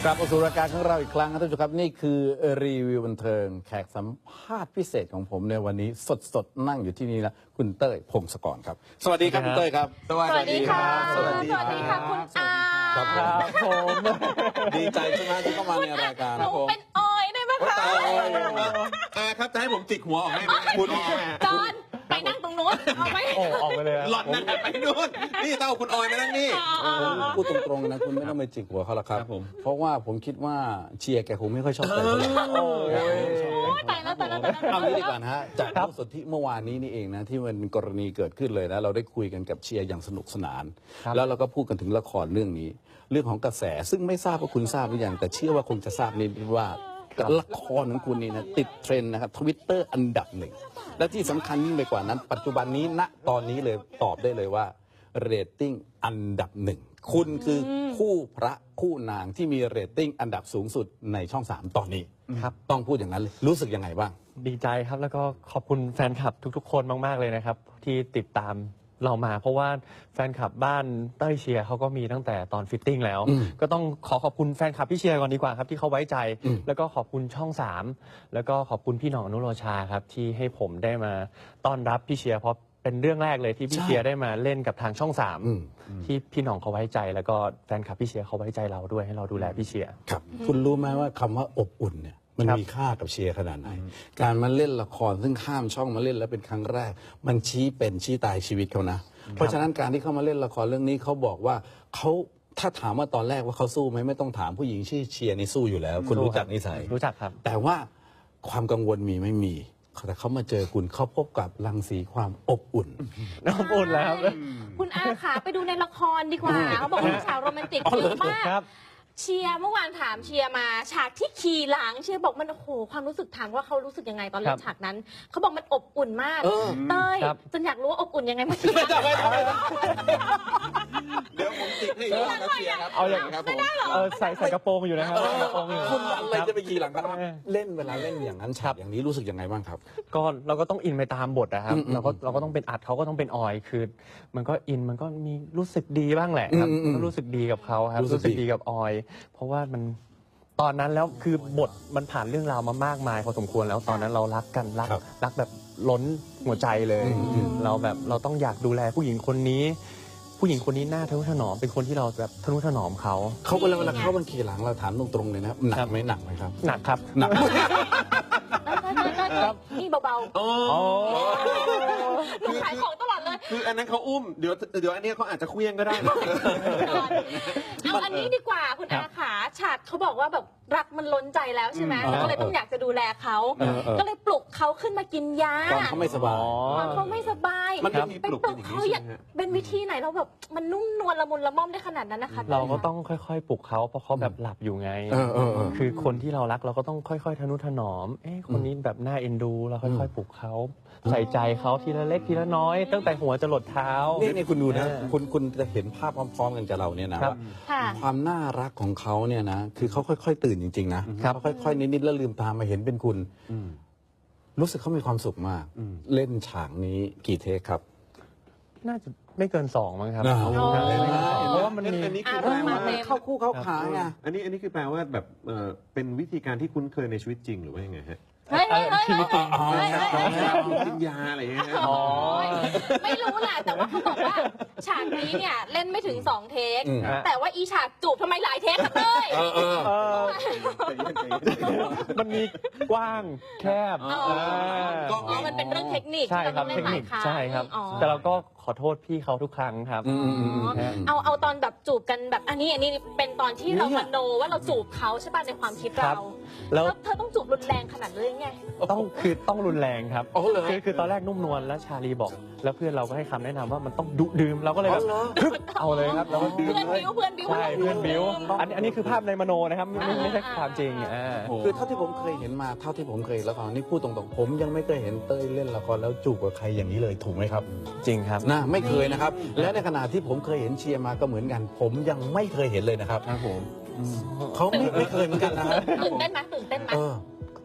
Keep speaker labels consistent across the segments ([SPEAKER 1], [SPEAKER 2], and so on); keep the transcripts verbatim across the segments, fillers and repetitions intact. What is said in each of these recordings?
[SPEAKER 1] กลับมาสู่รายการของเราอีกครั้งครับท่านผู้ชมครับนี่คือรีวิวบันเทิงแขกสัมภาษณ์พิเศษของผมในวันนี้สดๆนั่งอยู่ที่นี่นะคุณเต้ยพงศกรครับสวัสดีครับคุณเต้ยครับ
[SPEAKER 2] สวัสดีค่ะ
[SPEAKER 1] สวัสดี
[SPEAKER 2] สวัสดีค่ะคุณอา
[SPEAKER 1] ครับครับผมดีใจใช่ไหมที่เข้ามาในรายการ
[SPEAKER 2] หนูเป็นออยได้ไหมคะ
[SPEAKER 3] อาครับจะให้ผมจิกหัวออกให้ไหมคุณ
[SPEAKER 2] จอนไปนั่งตรงนู้นเอาไหม
[SPEAKER 4] โอ้ออกไปเลย
[SPEAKER 3] หล่อนนั่นไปนู่นนี่เต้าคุณออยมานั่งนี่
[SPEAKER 1] ผมพูดตรงๆนะคุณไม่ต้องไปจิกหัวเขาละครับ
[SPEAKER 3] ครับผม
[SPEAKER 1] เพราะว่าผมคิดว่าเชียร์แกคงไม่ค่อยชอบใครเท่าไหร่
[SPEAKER 2] โอ้ยตายแล้วตายแล้วตายแล้ว
[SPEAKER 1] เอางี้ดีกว่านะฮะจากรูปสดที่เมื่อวานนี้นี่เองนะที่มันกรณีเกิดขึ้นเลยนะเราได้คุยกันกับเชียร์อย่างสนุกสนาน แล้วเราก็พูดกันถึงละครเรื่องนี้ เรื่องของกระแสซึ่งไม่ทราบว่าคุณทราบหรือยังแต่เชื่อว่าคงจะทราบนี่ว่าละครของคุณนี่นะติดเทรนด์นะครับทวิตเตอร์อันดับหนึ่งและที่สำคัญยิ่งไปกว่านั้น ปัจจุบันนี้ณตอนนี้เลยตอบได้เลยว่าเรตติ้งอันดับหนึ่งคุณคือคู่พระคู่นางที่มีเรตติ้งอันดับสูงสุดในช่องสามตอนนี้
[SPEAKER 4] ครับ
[SPEAKER 1] ต้องพูดอย่างนั้นเลยรู้สึกยังไงบ้าง
[SPEAKER 4] ดีใจครับแล้วก็ขอบคุณแฟนคลับทุกๆ คนมากๆเลยนะครับ ที่ติดตามเรามา เพราะว่าแฟนคลับบ้านเต้ยเชียร์เขาก็มีตั้งแต่ตอนฟิตติ้งแล้ว
[SPEAKER 1] อืม
[SPEAKER 4] ก็ต้องขอขอบคุณแฟนคลับพี่เชียร์ก่อนดีกว่าครับที่เขาไว้ใจ
[SPEAKER 1] อืม
[SPEAKER 4] แล้วก็ขอบคุณช่องสามแล้วก็ขอบคุณพี่หน่องอนุโรชาครับที่ให้ผมได้มาต้อนรับพี่เชียร์เพราะเป็นเรื่องแรกเลยที่พี่เชียร์ได้มาเล่นกับทางช่องสาม
[SPEAKER 1] อืม
[SPEAKER 4] ที่พี่หน่องเขาไว้ใจ แล้วก็แฟนคลับพี่เชียร์เขาไว้ใจเราด้วยให้เราดูแลพี่เชียร์
[SPEAKER 1] ครับคุณรู้ไหมว่าคำว่าอบอุ่นเนี่ยมัน
[SPEAKER 4] ครับ
[SPEAKER 1] มีค่ากับเชียร์ขนาดไหน การมาเล่นละครซึ่งข้ามช่องมาเล่นแล้วเป็นครั้งแรก มันชี้เป็นชี้ตายชีวิตเขานะ เพราะฉะนั้นการที่เขามาเล่นละครเรื่องนี้เขาบอกว่าเขาถ้าถามว่าตอนแรกว่าเขาสู้ไหมไม่ต้องถามผู้หญิงชื่อเชียร์นี่สู้อยู่แล้ว คุณรู้จักนิสัย
[SPEAKER 4] รู้จักครับ
[SPEAKER 1] แต่ว่าความกังวลมีไม่มีแต่เขามาเจอคุณเขาพบกับรังสีความอบอุ่น
[SPEAKER 4] น้ำอุ่นแล้วครับ
[SPEAKER 2] คุณอาขาไปดูในละครดีกว่าเขาบอกว่าฉากโรแมนติกเยอะมาก
[SPEAKER 4] ครับ
[SPEAKER 2] เชียร์เมื่อวานถามเชียร์มาฉากที่ขี่หลังเชียร์บอกมันโอ้โหความรู้สึกถามว่าเขารู้สึกยังไงตอนเล่
[SPEAKER 4] ครั
[SPEAKER 2] น
[SPEAKER 4] บ
[SPEAKER 2] ฉากนั้นเขาบอกมันอบอุ่นมาก
[SPEAKER 1] เออ
[SPEAKER 2] เต้ย
[SPEAKER 4] ครับ
[SPEAKER 2] จนอยากรู้ว่าอบอุ่นยังไงเมื่อกี้
[SPEAKER 3] เดี๋ยวผมจิกให้อีกรอบครับเชียร์ครับ
[SPEAKER 4] เอาอย่าง
[SPEAKER 3] ครับผม
[SPEAKER 4] เออใส่ใส่กระโปรงอยู่นะครับใส่กระโปรงอยู่
[SPEAKER 1] คุณอะไรจะไปขี่หลังกัน
[SPEAKER 4] ครับ
[SPEAKER 1] เล่นเวลาเล่นอย่างนั้นฉากอย่างนี้รู้สึกยังไงบ้างครับ
[SPEAKER 4] ก็เราก็ต้องอินไปตามบทนะครับ
[SPEAKER 1] อืมอืม
[SPEAKER 4] เราก็เราก็ต้องเป็นอัดเขาก็ต้องเป็นออยคือ มันก็อินมันก็มีรู้สึกดีบ้างแหละครับ
[SPEAKER 1] อืมอืม
[SPEAKER 4] ก็รู้สึกดีกับเขาครับ
[SPEAKER 1] รู้สึกดี
[SPEAKER 4] ดีกับออย เพราะว่ามันตอนนั้นแล้วคือบทมันผ่านเรื่องราวมามากมายพอสมควรแล้วตอนนั้นเรารักกันรัก
[SPEAKER 1] ครับ
[SPEAKER 4] รักแบบล้นหัวใจเลย
[SPEAKER 1] อืมอืม
[SPEAKER 4] เราแบบเราต้องอยากดูแลผู้หญิงคนนี้ ผู้หญิงคนนี้หน้าทะนุถนอมเป็นคนที่เราแบบทะนุถนอมเขา
[SPEAKER 1] เขาเวลาเวลาเขาบันขี่หลังเราถามตรงๆเลยนะครับหนักไหมหนักไหมครับ
[SPEAKER 4] หนักครับ
[SPEAKER 1] หนัก
[SPEAKER 2] นี่เบา
[SPEAKER 3] โอ้
[SPEAKER 2] ๆหนูขายของตลอดเลย
[SPEAKER 3] คืออันนั้นเขาอุ้มเดี๋ยวเดี๋ยวอันนี้เขาอาจจะเคลี้ยงก็ได้นะ
[SPEAKER 2] เอาอันนี้ดีกว่าคุณอาขาฉากเขาบอกว่าแบบรักมันล้นใจแล้วใช่ไหม
[SPEAKER 1] อืม
[SPEAKER 2] แล้วก็เลยต้องอยากจะดูแลเขา
[SPEAKER 1] เออเออ
[SPEAKER 2] ก็เลยปลุกเขาขึ้นมากินยา
[SPEAKER 1] ตอนเขาไม่สบาย
[SPEAKER 2] ตอนเขาไม่สบาย
[SPEAKER 3] มันไม่มี
[SPEAKER 2] ไป
[SPEAKER 3] ปลุก
[SPEAKER 2] ปลุก
[SPEAKER 3] อย่างนี้
[SPEAKER 2] เขา
[SPEAKER 3] ใช่
[SPEAKER 2] อยาก
[SPEAKER 3] ไหมฮะ
[SPEAKER 2] เป็นวิธีไหนเราแบบมันนุ่มนวลละมุนละม่อมได้ขนาดนั้นนะคะ
[SPEAKER 4] เราก็ต้องค่อยๆปลุกเขาเพราะเขาแบบหลับอยู่ไง
[SPEAKER 1] เออเออเออ
[SPEAKER 4] คือคนที่เรารักเราก็ต้องค่อยๆทนุถนอม เอ๊ะคนนี้แบบน่าเอ็นดูเราค่อยๆปลุกเขาใส่ใจเขาทีละเล็กทีละน้อย ตั้งแต่หัวจะหลดเท้า
[SPEAKER 1] นี่นี่คุณดูนะ
[SPEAKER 4] เออ
[SPEAKER 1] คุณคุณจะเห็นภาพพร้อมๆกันกับเราเนี่ยนะครับ ว่า
[SPEAKER 2] ค่ะ
[SPEAKER 1] ความน่ารักของเขาเนี่ยนะคือเขาค่อยๆตื่นจริงๆนะครับ เขาค่อยๆนิดๆแล้วลืมตามาเห็นเป็นคุณ
[SPEAKER 3] อืม
[SPEAKER 1] รู้สึกเขามีความสุขมาก
[SPEAKER 3] อืม
[SPEAKER 1] เล่นฉากนี้กี่เทคครับ
[SPEAKER 4] น่าจะไม่เกินสองมั้งครับ
[SPEAKER 1] อ๋อ
[SPEAKER 4] น่าจะไม่เกินสองเพราะว่ามันมี
[SPEAKER 3] อันนี้คือ
[SPEAKER 2] อ่ะ
[SPEAKER 3] แปลว่า
[SPEAKER 2] เต็ม
[SPEAKER 1] เข้าคู่เข้าขาไง
[SPEAKER 3] อันนี้อันนี้คือแปลว่าแบบเอ่อเป็นวิธีการที่คุ้นเคยในชีวิตจริงหรือว่ายังไงฮะ
[SPEAKER 2] เฮ้ยเฮ้ยเฮ้ย
[SPEAKER 4] ชีวิตจริง
[SPEAKER 2] เฮ้ยเฮ้ยเฮ้ย
[SPEAKER 3] กินยาอะไรอย่างเงี้ยฮะ
[SPEAKER 4] อ๋อ
[SPEAKER 2] ไม่รู้แหละแต่ว่าเขาบอกว่าฉากนี้เนี่ยเล่นไม่ถึงสองเทค
[SPEAKER 1] อืม
[SPEAKER 2] แต่ว่าอีฉากจูบทำไมหลายเทคคะเต้ย
[SPEAKER 1] เออเออ
[SPEAKER 4] เออ
[SPEAKER 3] ใจเย็นใจเย็น
[SPEAKER 4] มันมีกว้างแคบ
[SPEAKER 2] อ๋อ
[SPEAKER 4] า
[SPEAKER 2] อ๋อมันเป็นเรื่องเทคนิค
[SPEAKER 4] ใช่
[SPEAKER 2] ที่
[SPEAKER 4] ครั
[SPEAKER 2] เรา
[SPEAKER 4] บ
[SPEAKER 2] ต้อง
[SPEAKER 4] เท
[SPEAKER 2] เล่นหลา
[SPEAKER 4] คนิ
[SPEAKER 2] ย
[SPEAKER 4] ค
[SPEAKER 2] ครั้ง
[SPEAKER 4] ใช่ครับ
[SPEAKER 2] อ๋อ
[SPEAKER 4] แต่เราก็ขอโทษพี่เขาทุกครั้งครับ
[SPEAKER 1] อืมอืมอืมอืม
[SPEAKER 2] เอาเอาตอนแบบจูบกันแบบอันนี้อันนี้เป็นตอนที่เรามโนว่าเราจูบเขาใช่ป่ะในความคิด
[SPEAKER 4] ครั
[SPEAKER 2] เรา
[SPEAKER 4] บแล้ว
[SPEAKER 2] แล้วเธอต้องจูบรุนแรงขนาดนั้นเลยไง
[SPEAKER 4] ต้องคือต้องรุนแรงครับ
[SPEAKER 1] อ๋อเหรอ
[SPEAKER 4] คือคือตอนแรกนุ่มนวลแล้วชาลีบอก แล้วเพื่อนเราก็ให้คำแนะนำว่ามันต้องดุดื่มเราก็เลยแบบ
[SPEAKER 1] อ๋อเหรอ
[SPEAKER 4] ฮึบเอาเลยครับเราก็ดื่ม
[SPEAKER 2] เพื่อน
[SPEAKER 4] เลย
[SPEAKER 2] บิ้วเพื่อนบิ้ว
[SPEAKER 4] ใช่เพื่อนบิ้ว
[SPEAKER 2] ดื่ม
[SPEAKER 4] อันนี้อันนี้คือภาพในมโนนะครับไม่ไม่ไม่ใช่ความจริงอ่า
[SPEAKER 3] โอ้โห
[SPEAKER 1] คือเท่าที่ผมเคยเห็นมาเท่าที่ผมเคยละครนี่พูดตรงๆ ผมยังไม่เคยเห็นเต้ยเล่นละครแล้วจูบกับใครอย่างนี้เลยถูกไหมครับ
[SPEAKER 4] จริงครับ
[SPEAKER 1] นะไม่เคยนะครับ และในขณะที่ผมเคยเห็นเชียร์มาก็เหมือนกัน ผมยังไม่เคยเห็นเลยนะครับ
[SPEAKER 3] ครับผม
[SPEAKER 1] เขาไม่ไม่เคยเหมือนกันนะครับ
[SPEAKER 2] ตื่นเต้นไหมตื่นเต้นไหม
[SPEAKER 1] เออ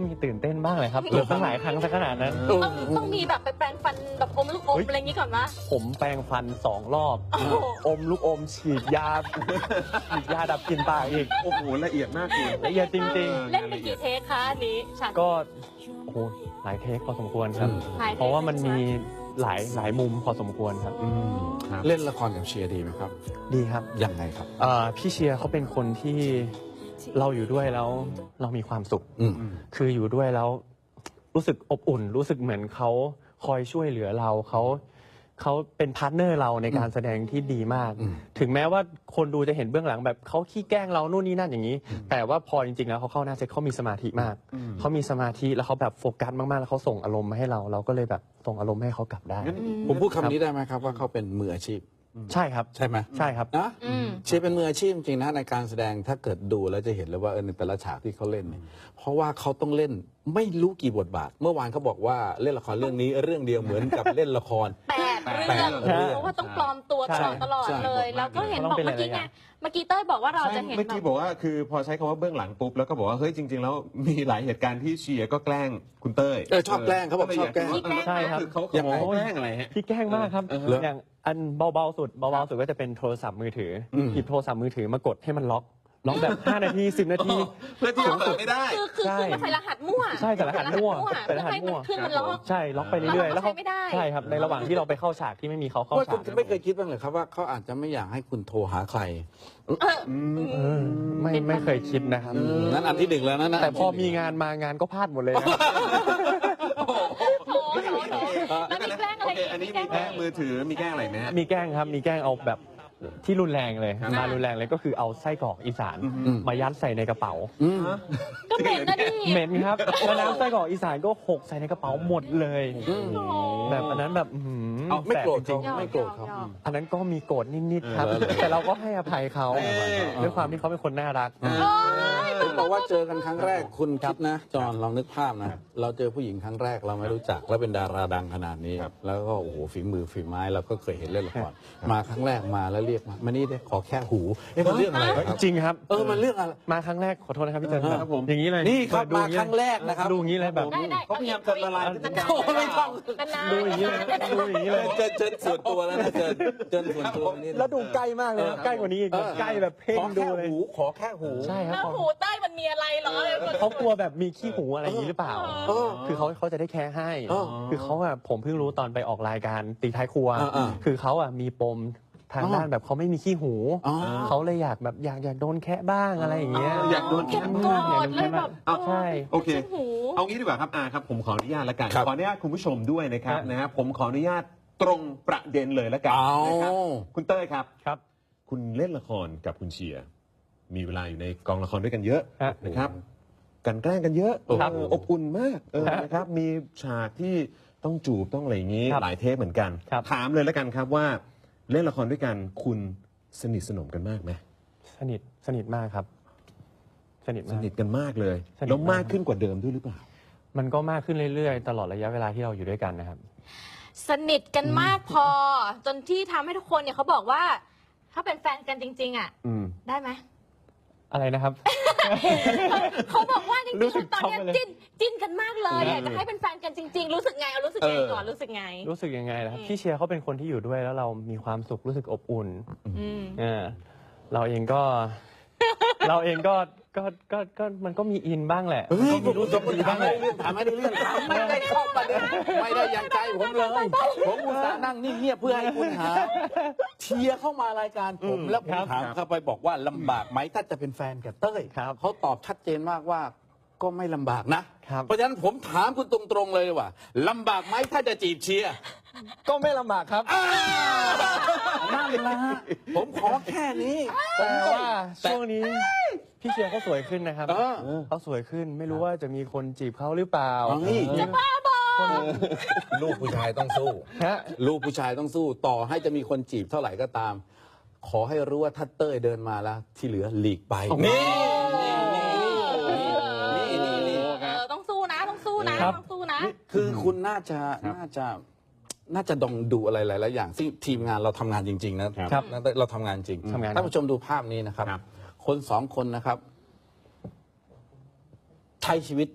[SPEAKER 4] มีตื่นเต้นบ้างเลยครับเหลือตั้งหลายครั้งซะขนาดนั้น
[SPEAKER 2] ต้องต้องมีแบบไปแปรงฟันแบบอมลูกอม
[SPEAKER 4] เฮ้ย
[SPEAKER 2] อะไรอย่างนี้ก่อนวะ
[SPEAKER 4] ผมแปรงฟันสองรอบ
[SPEAKER 2] โอ้โห
[SPEAKER 4] อมลูกอมฉีดยา ฉีดยาดับกลิ่นปากอีก
[SPEAKER 3] โอ้โหละเอียดมากคุณ
[SPEAKER 4] ละเอียดจริง
[SPEAKER 2] เล่นไปกี่เทคคะอันนี้ฉาก
[SPEAKER 4] ๆ ก็โอ้โหหลายเทคพอสมควรครับ
[SPEAKER 1] อืม
[SPEAKER 2] หลายเทค
[SPEAKER 4] เพราะว่ามันมีหลายหลายมุมพอสมควรครับ
[SPEAKER 3] อืมครับ
[SPEAKER 1] เล่นละครกับเชียร์ดีไหมครับ
[SPEAKER 4] ดีครับ
[SPEAKER 1] ยังไงครับ
[SPEAKER 4] เอ่อพี่เชียร์เขาเป็นคนที่เราอยู่ด้วยแล้วเรามีความสุข
[SPEAKER 1] อืม
[SPEAKER 4] คืออยู่ด้วยแล้วรู้สึกอบอุ่น รู้สึกเหมือนเขาคอยช่วยเหลือเราเขาเขาเป็นพาร์ทเนอร์เราในการแสดงที่ดีมาก
[SPEAKER 1] อืม
[SPEAKER 4] ถึงแม้ว่าคนดูจะเห็นเบื้องหลังแบบเขาขี้แกล้งเรานู่นนี่นั่นอย่างนี้ แต่ว่าพอจริงๆแล้วเขาเข้าหน้าเซตเขามีสมาธิมาก
[SPEAKER 3] อืม
[SPEAKER 4] เขามีสมาธิแล้วเขาแบบโฟกัสมากๆแล้วเขาส่งอารมณ์มาให้เรา เราก็เลยแบบส่งอารมณ์ให้เขากลับได้
[SPEAKER 3] งั้น
[SPEAKER 1] ผมพูดคำนี้ได้ไหมครับว่าเขาเป็นมืออาชีพ
[SPEAKER 4] ใช่ครับ
[SPEAKER 1] ใช่ไหม
[SPEAKER 4] ใช่ครับ
[SPEAKER 1] นะ
[SPEAKER 2] อืม
[SPEAKER 1] เชียร์เป็นมืออาชีพจริงๆนะในการแสดงถ้าเกิดดูแล้วจะเห็นเลยว่าเออในแต่ละฉากที่เขาเล่นเนี่ยเพราะว่าเขาต้องเล่นไม่รู้กี่บทบาท เมื่อวานเขาบอกว่าเล่นละครเรื่องนี้เรื่องเดียวเหมือนกับเล่นละคร
[SPEAKER 2] แปด
[SPEAKER 1] แป
[SPEAKER 2] เรื่อ
[SPEAKER 1] ด
[SPEAKER 2] ง
[SPEAKER 1] เรื่อง
[SPEAKER 2] เพราะว่าต้องปลอมตัวต
[SPEAKER 4] ใช่
[SPEAKER 2] ลอดตลอด
[SPEAKER 1] ใช่
[SPEAKER 2] เลย แล้วก็เห็นบอกเมื่อกี้ไงเมื่อกี้เต้ยบอกว่าเราจะเห็น
[SPEAKER 3] เมื่อ
[SPEAKER 2] แบ
[SPEAKER 3] กี้
[SPEAKER 2] บ
[SPEAKER 3] บอกว่าคือพอใช้คำว่าเบื้องหลังปุ๊บแล้วก็บอกว่าเฮ้ยจริง ๆ แล้วมีหลายเหตุการณ์ที่เชียร์ก็แกล้งคุณเต้ย
[SPEAKER 1] เออชอบแกล้งเขาบอกชอบแกล้ง
[SPEAKER 4] ใช่ครับ
[SPEAKER 3] เขา
[SPEAKER 1] ยังไง
[SPEAKER 3] เขาแกล้งอะไรฮะ
[SPEAKER 4] พี่แกล้งมากครับ
[SPEAKER 3] เออ
[SPEAKER 4] อย่างอันเบาๆสุดเบาๆสุดก็จะเป็นโทรศัพท์มือถืออ
[SPEAKER 1] ม
[SPEAKER 4] หยิบโทรศัพท์มือถือมากดให้มันล็อก ล็อกแบบ ห้า นาที สิบ นาที
[SPEAKER 3] เพื่อที่จะเปิดไม่ได้
[SPEAKER 2] คือคือ
[SPEAKER 4] ใช่
[SPEAKER 2] คือมันใส่รหัสมั่ว
[SPEAKER 4] ใช่ใส่รหัสมั่ว
[SPEAKER 2] ใส่รหัส
[SPEAKER 4] ใส่รหัสมั่ว
[SPEAKER 2] เพื่อให้มันขึ้นมันล็อก
[SPEAKER 4] ใช่ ล็อกไปเรื่อยๆ
[SPEAKER 2] แล้
[SPEAKER 4] แล้ว ว
[SPEAKER 2] เขา
[SPEAKER 4] เขา
[SPEAKER 2] ใช้ไม่ได้
[SPEAKER 4] ใช่ครับ ในระหว่างที่เราไปเข้าฉากที่ไม่มีเขาเข้า
[SPEAKER 1] ว่า
[SPEAKER 4] ฉา
[SPEAKER 1] คุณ
[SPEAKER 4] ก
[SPEAKER 1] จะไม่เคยคิดบ้างเลยครับว่าเขาอาจจะไม่อยากให้คุณโทรหาใคร
[SPEAKER 4] เออไม่ไม่เคยคิดนะครับ
[SPEAKER 1] นั่นอันที่หนึ่งแล้วนะนะ
[SPEAKER 4] แต่พอมีงานมางานก็พลาดหมดเลยนะ
[SPEAKER 2] โอ้โหโอ้โหแล้วมีแกล้งอะไร
[SPEAKER 3] โอเค อันนี้มีแกล้งมือถือ มีแกล้งอะไรไหมฮะ
[SPEAKER 4] มีแกล้งครับ มีแกล้งเอาแบบที่รุนแรงเลย
[SPEAKER 3] ครับ
[SPEAKER 4] มารุนแรงเลยก็คือเอาไส้กรอกอีสาน
[SPEAKER 1] อืม
[SPEAKER 4] มายัดใส่ในกระเป๋า
[SPEAKER 1] อืม
[SPEAKER 2] ก็เหม็นนะดิ
[SPEAKER 4] เหม็นครับแล้วน้ำไส้กรอกอีสานก็หกใส่ในกระเป๋าหมดเลย
[SPEAKER 1] อืม
[SPEAKER 2] โอ้โห
[SPEAKER 4] แบบอันนั้นแบบอื้อหือ
[SPEAKER 1] เอาไม่โกรธ
[SPEAKER 4] แสบจริง
[SPEAKER 2] หยอก
[SPEAKER 1] ไม่โกรธเขา
[SPEAKER 2] หยอก
[SPEAKER 4] ๆอันนั้นก็มีโกรธนิดๆครับ
[SPEAKER 1] เออเออ
[SPEAKER 4] แต่เราก็ให้อภัยเขา
[SPEAKER 3] เออ
[SPEAKER 4] ด้วยความที่เขาเป็นคนน่ารัก
[SPEAKER 1] ผมบอกว่าเจอกันครั้งแรกคุณคิดนะ จอห์นลองนึกภาพนะ เราเจอผู้หญิงครั้งแรกเราไม่รู้จักแล้วเป็นดาราดังขนาดนี้
[SPEAKER 3] ครับ
[SPEAKER 1] แล้วก็โอ้โหฝีมือฝีไม้เราก็เคยเห็นเล่นละครมาครั้งแรกมาแล้วเรียกมามานี่ได้ขอแค่หูเอ๊ะมันเรื่องอะไรครับ
[SPEAKER 4] จริงครับ
[SPEAKER 1] เออมันเรื่องอะไร
[SPEAKER 4] มาครั้งแรกขอโทษนะครับพี่เจน
[SPEAKER 3] ครับผม
[SPEAKER 4] อย่างนี้เลย
[SPEAKER 1] นี่ครับ
[SPEAKER 4] ดู
[SPEAKER 1] มา
[SPEAKER 4] อย่
[SPEAKER 1] ครั้งแรกนะครับ
[SPEAKER 4] ดูอย่างนี้เลยแบบ
[SPEAKER 2] ได้ได้
[SPEAKER 3] เขาพยายามจะละลายพฤติกรรม
[SPEAKER 1] โอ้ไม่ต้อง
[SPEAKER 2] นาน
[SPEAKER 4] ดูอย่างนี้เลยดูอย่างนี้เลย
[SPEAKER 1] เจนเจนส่วนตัวแล้วนะเจนเจนส่วนตัวนี่
[SPEAKER 4] แล้วดูใกล้มากเลยนะใกล้กว่านี้อีกแบบใกล้แบบเพ่ง
[SPEAKER 1] ขอ
[SPEAKER 4] ดู
[SPEAKER 1] แค่
[SPEAKER 4] เลย
[SPEAKER 1] หูขอแค่หู
[SPEAKER 4] ใช่ครับ
[SPEAKER 2] แล้วหูใต้มันมีอะไรเหรอ
[SPEAKER 4] เขากลัวแบบมีขี้หูอะไรอย่างนี้หรือเปล่า
[SPEAKER 1] เออ
[SPEAKER 4] คือเขาเขาจะได้แค่ให้
[SPEAKER 1] อ๋อ
[SPEAKER 4] คือเขาอะผมเพิ่งรู้ตอนไปออกรายการตีท้ายครัว
[SPEAKER 1] อ่าๆ
[SPEAKER 4] คือเขาอะมีปมทาง
[SPEAKER 1] อ๋อ
[SPEAKER 4] ด้านแบบเขาไม่มีขี้หู
[SPEAKER 1] อ๋อ
[SPEAKER 4] เขาเลยอยากแบบอยากอยากโดนแคะบ้างอะไรอย่างเงี้ย
[SPEAKER 3] อยากโดน
[SPEAKER 2] เก็บ
[SPEAKER 3] แคะ
[SPEAKER 2] ก
[SPEAKER 3] บ้าง
[SPEAKER 2] ดเลยแบบ
[SPEAKER 3] เอา
[SPEAKER 4] ใช่
[SPEAKER 3] โอเค
[SPEAKER 2] หู
[SPEAKER 3] เอางี้ดีกว่าครับอาครับผมขออนุญาตละกัน
[SPEAKER 1] ครับ
[SPEAKER 3] ขออนุญาตคุณผู้ชมด้วยนะครับ
[SPEAKER 4] ครับ
[SPEAKER 3] นะฮะผมขออนุญาตตรงประเด็นเลยละกัน
[SPEAKER 1] เอา
[SPEAKER 3] นะครับคุณเต้ยครับ
[SPEAKER 4] ครับ
[SPEAKER 3] คุณเล่นละครกับคุณเชียร์มีเวลาอยู่ในกองละครด้วยกันเยอะ
[SPEAKER 4] ฮะ
[SPEAKER 3] นะครับกันแกล้งกันเยอะ
[SPEAKER 4] ครับ
[SPEAKER 3] เอออบอุ่นมากเออ
[SPEAKER 4] ฮะ
[SPEAKER 3] นะครับมีฉากที่ต้องจูบต้องอะไรอย่างนี้
[SPEAKER 4] ครับ
[SPEAKER 3] หลายเทปเหมือนกัน
[SPEAKER 4] ครับ
[SPEAKER 3] ถามเลยละกันครับว่าเล่นละครด้วยกันคุณสนิทสนมกันมากไหม
[SPEAKER 4] สนิทสนิทมากครับ สนิท
[SPEAKER 3] ส
[SPEAKER 4] มาก
[SPEAKER 3] นิทกันมากเลย
[SPEAKER 4] สนิท
[SPEAKER 3] แล้วมาก
[SPEAKER 4] มาก
[SPEAKER 3] ขึ้นกว่าเดิมด้วยหรือเปล่า
[SPEAKER 4] มันก็มากขึ้นเรื่อยๆ ตลอดระยะเวลาที่เราอยู่ด้วยกันนะครับ
[SPEAKER 2] สนิทกันมากพอ จนที่ทำให้ทุกคนเนี่ยเขาบอกว่า ถ้าเป็นแฟนกันจริง ๆ อ่ะ
[SPEAKER 3] อืม
[SPEAKER 2] ได้ไหม
[SPEAKER 4] อะไรนะครับ
[SPEAKER 2] เขาบอกว่าจริง
[SPEAKER 4] รู้สึก
[SPEAKER 2] ๆตอนเนี้ย
[SPEAKER 4] ช็อกไปเลย
[SPEAKER 2] จิ้นจิ้นกันมากเลยอยากจะให้เป็นแฟนกันจริง ๆ รู้สึกไงเอารู้สึกไง
[SPEAKER 3] เออ
[SPEAKER 2] ก่อนรู้สึกไง
[SPEAKER 4] รู้สึกยังไงล่ะครับ
[SPEAKER 2] อืม
[SPEAKER 4] พี่เชียร์เขาเป็นคนที่อยู่ด้วยแล้วเรามีความสุขรู้สึกอบอุ่น
[SPEAKER 2] อืม
[SPEAKER 4] เออเราเองก็ เราเองก็ก็ก็ก็มันก็มีอินบ้างแหละ
[SPEAKER 1] เฮ้ย
[SPEAKER 4] มันก็มีรู้สึกดี
[SPEAKER 1] ถา
[SPEAKER 4] บ้าม ง
[SPEAKER 1] ไม่
[SPEAKER 4] แห
[SPEAKER 1] ได้
[SPEAKER 4] ละ
[SPEAKER 1] เรื่องถามไม่ได้เรื่องถามไม่ได้เข้าประเด็นไม่ได้อย่างใจผมเลย ผมอุตส่าห์นั่งนิ่งเงียบเพื่อให้คุณหาเชียร์เข้ามารายการผม
[SPEAKER 3] อืม
[SPEAKER 1] แล้วผม
[SPEAKER 3] ครับ
[SPEAKER 1] ถามเข้าไปบอกว่าลำบากไหมถ้าจะเป็นแฟนกับเต้ย
[SPEAKER 4] ครับ
[SPEAKER 1] เขาตอบชัดเจนมากว่าก็ไม่ลำบากนะครับ เพราะฉะนั้นผมถามคุณตรงๆเลยว่าลำบากไหมถ้าจะจีบเชียร์
[SPEAKER 4] ก็ไม่ลำบากครับ
[SPEAKER 1] นั่นละผมขอแค่นี้
[SPEAKER 4] แต่ว่า
[SPEAKER 1] แต่
[SPEAKER 4] ช่วงนี้พี่เชียร์เขาสวยขึ้นนะครับ
[SPEAKER 1] เออ
[SPEAKER 4] เขาสวยขึ้นไม่รู้ว่าจะมีคนจีบเขาหรือเปล่า
[SPEAKER 1] เอานี่
[SPEAKER 4] จะบ้าบอ
[SPEAKER 1] ลูกผู้ชายต้องสู้
[SPEAKER 4] ฮะ
[SPEAKER 1] ลูกผู้ชายต้องสู้ต่อให้จะมีคนจีบเท่าไหร่ก็ตาม ขอให้รู้ว่าถ้าเต้ยเดินมาแล้ว ที่เหลือหลีกไป
[SPEAKER 4] โอ้โห
[SPEAKER 1] นี่นี่นี่นี่
[SPEAKER 2] เออต้องสู้นะต้องสู้นะ
[SPEAKER 4] ครับ
[SPEAKER 2] ต้องสู้นะ
[SPEAKER 1] คือคุณน่าจะ
[SPEAKER 3] ครับ
[SPEAKER 1] น่าจะน่าจะดองดูอะไรหลายๆอย่างซึ่งทีมงานเราทำงานจริง ๆ นะครับ เราทำงานจริง
[SPEAKER 4] ทำงาน
[SPEAKER 1] ท่านผู้ชมดูภาพนี้นะครับ
[SPEAKER 3] ครับ
[SPEAKER 1] คนสองคนนะครับ ใช้ชีวิต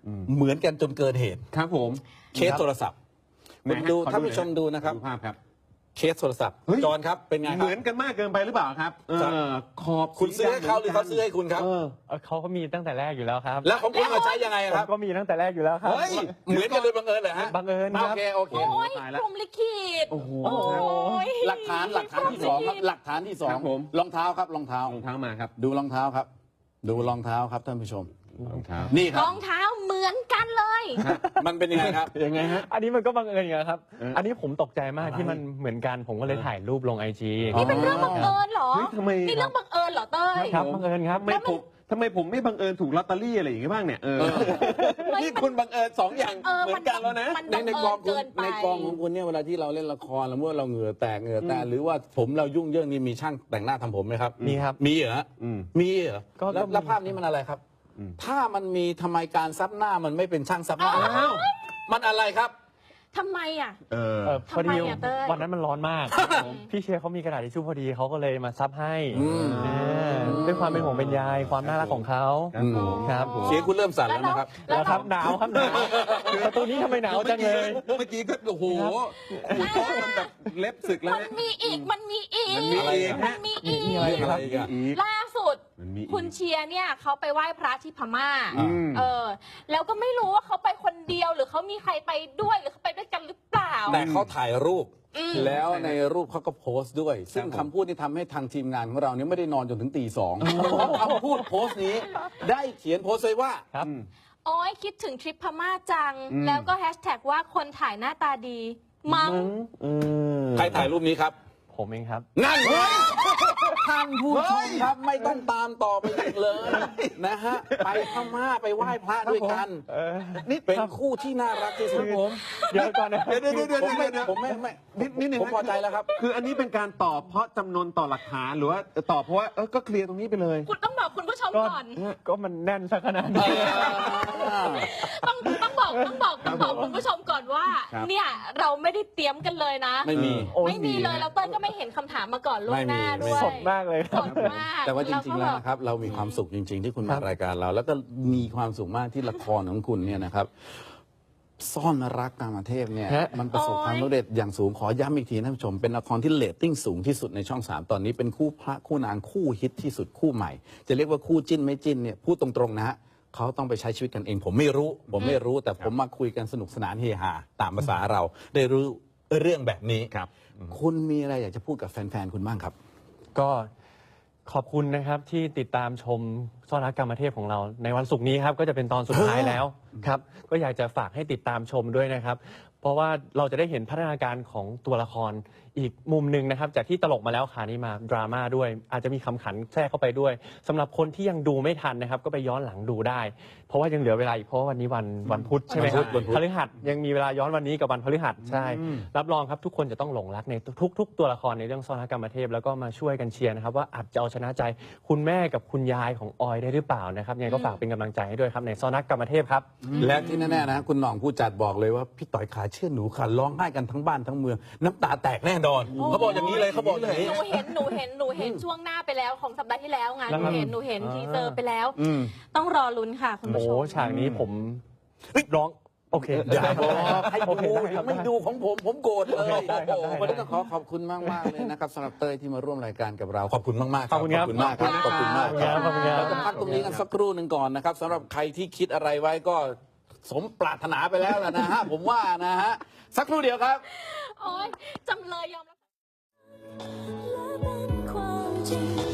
[SPEAKER 1] เหมือนกันจนเกินเหตุ
[SPEAKER 3] ครับผม
[SPEAKER 1] เคสโทรศัพท์
[SPEAKER 3] ไหน
[SPEAKER 1] คุณ
[SPEAKER 3] ฮะ
[SPEAKER 1] ดู
[SPEAKER 3] ขอดู
[SPEAKER 1] ท่านผู้ชม
[SPEAKER 3] หน่อย
[SPEAKER 1] ดูนะครับ
[SPEAKER 3] ดูภาพครับ
[SPEAKER 1] เคสโทรศัพท์
[SPEAKER 3] เฮ้ย
[SPEAKER 1] จอห์นครับเป็นไงค
[SPEAKER 3] เห
[SPEAKER 1] รับ
[SPEAKER 3] มือนกันมากเกินไปหรือเปล่าครับเอ
[SPEAKER 1] ครับ
[SPEAKER 3] อขอบ
[SPEAKER 1] คุณซื้อให้เขาหรือเขาซื้อให้คุณครับ
[SPEAKER 3] เออ
[SPEAKER 4] เอ่อเขาก็มีตั้งแต่แรกอยู่แล้วครับ
[SPEAKER 1] แล้วของคุณเอาใช้ยังไง
[SPEAKER 4] ผ
[SPEAKER 1] ครั
[SPEAKER 4] ม
[SPEAKER 1] บ
[SPEAKER 4] ก็มีตั้งแต่แรกอยู่แล้วครับ
[SPEAKER 1] เฮ้ยเหมือนกันโดยบังเอิญเหรอฮะ
[SPEAKER 4] บังเอิญค
[SPEAKER 1] โอ
[SPEAKER 4] รับ
[SPEAKER 1] เคโอเค
[SPEAKER 2] โอ้ย
[SPEAKER 3] ตายแล้ว
[SPEAKER 2] พรหมลิขิต
[SPEAKER 3] โอ้โห
[SPEAKER 2] โอ้ย
[SPEAKER 1] หลักฐานหลักฐานที่สองครับหลักฐานที่สอง
[SPEAKER 3] ครับผม
[SPEAKER 1] รองเท้าครับรองเท้าร
[SPEAKER 3] องเท้ามาครับ
[SPEAKER 1] ดูรองเท้าครับ ดูรองเท้าครับท่านผู้ชม
[SPEAKER 3] รองเท้า
[SPEAKER 1] นี่ค
[SPEAKER 2] ร
[SPEAKER 1] รับ
[SPEAKER 2] องเท้าเหมือนกันเลย
[SPEAKER 1] มันเป็นยังไงครับ
[SPEAKER 3] ยังไงฮะ
[SPEAKER 4] อันนี้มันก็บังเอิญอย่างครับ
[SPEAKER 3] เอออั
[SPEAKER 4] อันนี้ผมตกใจมาก
[SPEAKER 1] อะไร
[SPEAKER 4] ที่มันเหมือนกันผมก็เลยถ่ายรูปลงไอจี
[SPEAKER 2] นี่เป็นเรื่องบังเอิญเหรอ
[SPEAKER 3] เฮ้ยทำไม
[SPEAKER 2] นี่เรื่องบังเอิญเหรอเต้ย
[SPEAKER 4] ครับบังเอิญครับ
[SPEAKER 3] ทำไมผมทำไมผมไม่บังเอิญถูกลอตเตอรี่อะไรอย่างงี้บ้างเนี่ยเออ
[SPEAKER 1] นี่คุณบังเอิญสองอย่าง
[SPEAKER 2] เออ
[SPEAKER 1] เหมือนกันแล้วนะ
[SPEAKER 2] มัน
[SPEAKER 1] ใน
[SPEAKER 2] บัง
[SPEAKER 1] ใน
[SPEAKER 2] เอิ
[SPEAKER 1] กอง
[SPEAKER 2] ญ
[SPEAKER 1] คุ
[SPEAKER 2] เกิ
[SPEAKER 1] ณ
[SPEAKER 2] นไป
[SPEAKER 1] ในกองของคุณเนี่ยเวลาที่เราเล่นละครแล้วเมื่อเราเหงื่อแตกเหงื่อแตกหรือว่าผมเรายุ่งเรื่องนี้มีช่างแต่งหน้าทำผมไหมครับ
[SPEAKER 4] มีครับ
[SPEAKER 1] มีเหรอ
[SPEAKER 3] อืม
[SPEAKER 1] มีเหรอ
[SPEAKER 4] ก็
[SPEAKER 1] แล้ว
[SPEAKER 4] ก็มี
[SPEAKER 1] แล้วภาพนี้มันอะไรครับ
[SPEAKER 3] อืม
[SPEAKER 1] ถ้ามันมีทำไมการซับหน้ามันไม่เป็นช่างซับหน้า
[SPEAKER 3] อ้าว
[SPEAKER 1] มันอะไรครับ
[SPEAKER 2] ทำไมอ่ะ
[SPEAKER 3] เออ
[SPEAKER 4] เออพอดี
[SPEAKER 2] ทำไมอะเต้ย
[SPEAKER 4] วันนั้นมันร้อนมาก พี่เชียร์เขามีกระดาษทิชชู่พอดีเขาก็เลยมาซับให้
[SPEAKER 1] อืม
[SPEAKER 4] เออด้วยความเป็นห่วงเป็นใยความน่ารักของเขา
[SPEAKER 3] ครับผม
[SPEAKER 4] ครับ
[SPEAKER 1] เสียงคุณเริ่มสั่นแล้วนะครับ
[SPEAKER 4] แล้วครับหนาวครับหนาวประตูนี้ทำไมหนาวจังเลย
[SPEAKER 3] เมื่อกี้ก็โอ้โหขูดโต๊ะมันแบบเล็บสึกแล้ว
[SPEAKER 2] มัน
[SPEAKER 3] เนี่ย
[SPEAKER 2] มีอีก มันมีอีก
[SPEAKER 3] มันมีอีก
[SPEAKER 2] มันมีอี
[SPEAKER 4] มีอะไร
[SPEAKER 2] ก
[SPEAKER 1] อะไรอีกอะ
[SPEAKER 2] ล่าสุด
[SPEAKER 3] มันมีอีก
[SPEAKER 2] คุณเชียร์เนี่ยเขาไปไหว้พระที่พม่า
[SPEAKER 3] อืม
[SPEAKER 2] เออ แล้วก็ไม่รู้ว่าเขาไปคนเดียวหรือเขามีใครไปด้วยหรือเขาไปด้วยกันหรือเปล่า
[SPEAKER 1] แต่เขาถ่ายรูป
[SPEAKER 2] อืม
[SPEAKER 1] แล้วในรูปเขาก็โพสต์ด้วย ซึ่ง
[SPEAKER 3] ผม
[SPEAKER 1] คำพูดที่ทำให้ทางทีมงานของเราเนี่ยไม่ได้นอนจนถึงตีสองคำพูดโพสต์นี้ ได้เขียนโพสต์ไว้ว่า
[SPEAKER 4] ครับ
[SPEAKER 2] โอ้ยคิดถึงทริปพม่าจัง
[SPEAKER 3] อืม
[SPEAKER 2] แล้วก็แฮชแท็กว่าคนถ่ายหน้าตาดี มั้ง
[SPEAKER 3] เออ
[SPEAKER 1] ใครถ่ายรูปนี้ครับ
[SPEAKER 4] ผมเองครับ
[SPEAKER 1] นั่นเฮ้ยท่านผู้ชมครับไม่ต้องตามต่อไปอีกเลยนะฮะไปพม่าไปไหว้พระด้วยกัน
[SPEAKER 4] เออ
[SPEAKER 1] นี่เป็นคู่ที่น่ารักที่สุด
[SPEAKER 4] ผมเดี๋ยวก่อนนะ
[SPEAKER 3] เดี๋ยวเดี๋ยวเดี๋ยว
[SPEAKER 1] ผมไม่
[SPEAKER 3] เดี๋ยว
[SPEAKER 1] ผมไม่ไม่
[SPEAKER 3] นิดนิดหนึ่ง
[SPEAKER 1] ผมพอใจแล้วครับ
[SPEAKER 3] คืออันนี้เป็นการตอบเพราะจำนวนต่อหลักฐานหรือว่าตอบเพราะว่าเออก็เคลียร์ตรงนี้ไปเลย
[SPEAKER 2] คุณต้องบอกคุณผู้ชม
[SPEAKER 4] ก็
[SPEAKER 2] ก่อน
[SPEAKER 4] ก็มันแน่นสักขนาดนี้
[SPEAKER 2] ต้องต้องบอกต้องบอกต้องบอกคุณผู้ชมก่อนว่า
[SPEAKER 3] ครับ
[SPEAKER 2] เนี่ยเราไม่ได้เตรียมกันเลยนะ
[SPEAKER 1] ไม่มี
[SPEAKER 4] โอ้ย
[SPEAKER 2] ไม่มีเลยแล้วเต้ยก็ไม่เห็นคำถามมาก่อนล่วงหน้า
[SPEAKER 1] ไม่มี
[SPEAKER 2] ด้วย
[SPEAKER 4] สดมากเลยค
[SPEAKER 2] ส
[SPEAKER 4] รับ
[SPEAKER 2] ดมาก
[SPEAKER 1] แต่ว่าจริงๆ แล้ว
[SPEAKER 2] ก็
[SPEAKER 1] นะครับ เรามีความสุขจริง ๆ ที่คุณ
[SPEAKER 4] ครั
[SPEAKER 1] มา
[SPEAKER 4] บ
[SPEAKER 1] รายการเรา แล้วก็มีความสุขมากที่ละครของคุณเนี่ยนะครับ ซ่อนรักกามเทพเนี่ย
[SPEAKER 4] ฮะ
[SPEAKER 1] มันประสบความสำเร็จอย่างสูงขอย้ำอีกทีท่านผู้ชม เป็นละครที่เรตติ้งสูงที่สุดในช่องสามตอนนี้เป็นคู่พระคู่นางคู่ฮิตที่สุดคู่ใหม่ จะเรียกว่าคู่จิ้นไม่จิ้นเนี่ยพูดตรงๆนะฮะเขาต้องไปใช้ชีวิตกันเอง ผมไม่รู้ ผมไม่รู้ แต่ผมมาคุยกันสนุกสนานเฮฮาตามภาษาเรา ได้รู้เรื่องแบบนี้
[SPEAKER 3] ครับ
[SPEAKER 1] คุณมีอะไรอยากจะพูดกับแฟนๆคุณบ้างครับ
[SPEAKER 4] ก็ขอบคุณนะครับที่ติดตามชมซ่อนรักกรรมเทพของเรา ในวันศุกร์นี้ครับก็จะเป็นตอนสุดท้ายแล้วครับ ก็อยากจะฝากให้ติดตามชมด้วยนะครับ เพราะว่าเราจะได้เห็นพัฒนาการของตัวละครอีกมุมหนึ่งนะครับ จากที่ตลกมาแล้วคราวนี้มาดราม่าด้วย อาจจะมีคำขันแทรกเข้าไปด้วยสำหรับคนที่ยังดูไม่ทันนะครับ ก็ไปย้อนหลังดูได้ เพราะว่ายังเหลือเวลาอีกเพราะว่าวันนี้วันวันพุธใช่ไหมครับ
[SPEAKER 1] วันพุธ
[SPEAKER 4] พฤหัสยังมีเวลาย้อนวันนี้กับวันพฤหัสใช่ รับรองครับทุกคนจะต้องหลงรักในทุก ๆ ตัวละครในเรื่องซ่อนรักกรรมเทพแล้วก็มาช่วยกันเชียร์นะครับว่าอาจจะเอาชนะใจคุณแม่กับคุณยายของออยได้หรือเปล่านะครับยังไงก็ฝากเป็นกำลังใจให้ด้วยครับในซ่อนรักกรรมเทพครับ
[SPEAKER 1] และที่แน่ๆนะคุณหน่องผู้จัดบอกเลยว่าพี่ต่อยขาเชื่อหนูขาร้องไห้กันทั้งบ้านทั้งเมือง น้ำตาแตกแน่นอนเขาบอกอย่างนี้เลยเขาบอกอย่างนี้
[SPEAKER 2] หนูเห็นหนูเห็นหนูเห็นช่วงหน้าไปแล้วของสัปดาห์ที่แล้วไงหนูเห็นหนูเห็นทีเซอร์ไปแล้ว
[SPEAKER 3] อืม
[SPEAKER 2] ต้องรอลุ้นค่ะคุณ
[SPEAKER 4] โอ้
[SPEAKER 2] ผู้ชม
[SPEAKER 4] ฉากนี้ผมร้องโอเค
[SPEAKER 1] อย่าบอกให้
[SPEAKER 4] โอเค
[SPEAKER 1] ดู
[SPEAKER 4] ได้ครับ
[SPEAKER 1] ไม่ดูของผมผมโกรธเลย
[SPEAKER 4] ได้ครับได้
[SPEAKER 1] วันนี้ต้องขอขอบคุณมากมากๆเลยนะครับสำหรับเต้ยที่มาร่วมรายการกับเราขอบคุณมากมากๆ
[SPEAKER 4] ขอบคุณครับ
[SPEAKER 1] ขอบคุณมากครับขอบคุณมาก
[SPEAKER 4] ขอบคุณครับ
[SPEAKER 1] เราจะพักตรงนี้กันสักครู่หนึ่งก่อนนะครับสำหรับใครที่คิดอะไรไว้ก็สมปรารถนาไปแล้วล่ะนะฮะผมว่านะฮะสักครู่เดียวครับ
[SPEAKER 2] โอ๊ยจำเลยยอมรับ
[SPEAKER 5] และเป็นความจริง